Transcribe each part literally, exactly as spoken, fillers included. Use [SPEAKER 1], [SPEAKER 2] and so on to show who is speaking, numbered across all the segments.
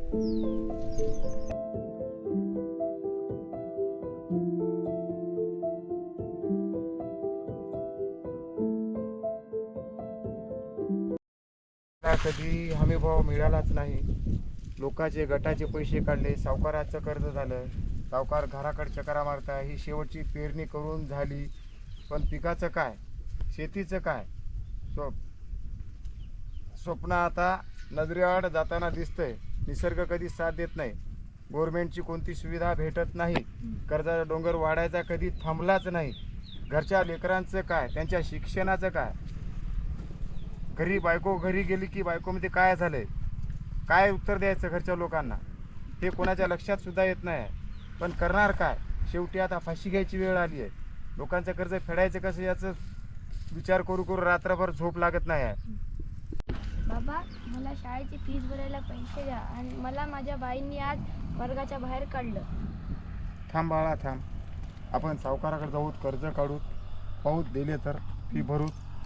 [SPEAKER 1] कधी हमी भाव मिळालाच नाही. लोकांचे गटाचे पैसे काढले, सावकाराचं कर्ज झालं, सावकार घराकडे चकरा मारता. ही शेवटची पेरणी करून झाली, पण पिकाचं काय, शेतीचं काय, स्व स्वप्न आता नजरेआड जाताना दिसतंय. निसर्ग कधी साथ देत नाही, गव्हर्नमेंटची कोणती सुविधा भेटत नाही, कर्जाचा डोंगर वाढायचा कधी थांबलाच नाही. घरच्या लेकरांचं काय, त्यांच्या शिक्षणाचं काय, घरी बायको घरी गेली की बायकोमध्ये काय झालंय, काय उत्तर द्यायचं घरच्या लोकांना, हे कोणाच्या लक्षात सुद्धा येत नाही. पण करणार काय, शेवटी आता फाशी घ्यायची वेळ आली आहे. लोकांचं कर्ज फेडायचं कसं याचं विचार करू करू रात्रभर झोप लागत नाही आहे.
[SPEAKER 2] बाबा, मला शाळेची फीस भरायला पैसे द्या. आणि मला माझ्या बाईंनी आज वर्गाच्या बाहेर काढलं.
[SPEAKER 1] थांब बाळा थांब, आपण सावकाराकडे जाऊ, कर्ज काढू, पाहू दिले तर फी भरू.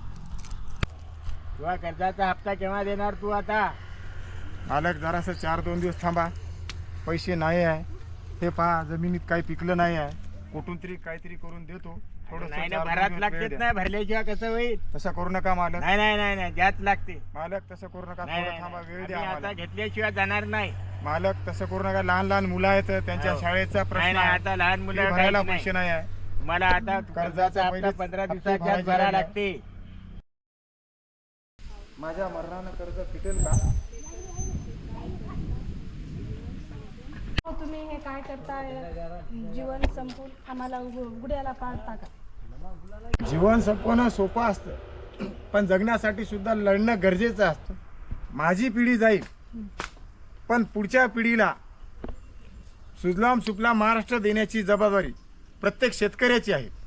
[SPEAKER 3] तुझा कर्जाचा हप्ता केव्हा देणार तू आता?
[SPEAKER 1] मालक जरासं चार दोन दिवस थांबा, पैसे नाही आहे. हे पहा, जमिनीत काही पिकलं नाही आहे, कुठून तरी काहीतरी करून देतो. थोडं
[SPEAKER 3] नाही ना, भरात लागतेच नाही, भरल्याशिवाय कसं होईल?
[SPEAKER 1] तसं करू नका मालक.
[SPEAKER 3] नाही नाही नाही नाही द्याच लागते.
[SPEAKER 1] मालक तसं करू नका,
[SPEAKER 3] नाही,
[SPEAKER 1] थोडं
[SPEAKER 3] नाही,
[SPEAKER 1] थांबा, वेळ
[SPEAKER 3] आम्ही
[SPEAKER 1] द्या
[SPEAKER 3] आता
[SPEAKER 1] आम्हाला.
[SPEAKER 3] घेतल्याशिवाय जाणार नाही.
[SPEAKER 1] मालक तसं करू नका, लहान लहान मुलं आहेत, त्यांच्या
[SPEAKER 3] हो.
[SPEAKER 1] शाळेचा
[SPEAKER 3] नाही
[SPEAKER 1] प्रश्न
[SPEAKER 3] नाही,
[SPEAKER 1] आहे,
[SPEAKER 3] आता लहान
[SPEAKER 1] फी
[SPEAKER 3] मुलं
[SPEAKER 1] भरायला
[SPEAKER 3] काहीच
[SPEAKER 1] पैसे
[SPEAKER 3] नाही.
[SPEAKER 1] नाही आहे.
[SPEAKER 3] मला आता कर्जाचा हप्ता
[SPEAKER 1] पहिलेच
[SPEAKER 3] पंधरा
[SPEAKER 1] हप्ते
[SPEAKER 3] दिवसाच्या
[SPEAKER 1] भरायचे
[SPEAKER 3] भरा
[SPEAKER 1] राहिले.
[SPEAKER 3] लागते.
[SPEAKER 1] माझ्या मरणानं कर्ज फिटेल का?
[SPEAKER 4] तुम्ही हे काय करताय? जीवन संपून आम्हाला उघ- गुड्याला पाडता का?
[SPEAKER 1] जीवन संपवणं सोपं असतं, पण जगण्यासाठी सुद्धा लढणं गरजेचं असतं. माझी पिढी जाईल, पण पुढच्या पिढीला सुजलाम सुफलाम महाराष्ट्र देण्याची जबाबदारी प्रत्येक शेतकऱ्याची आहे.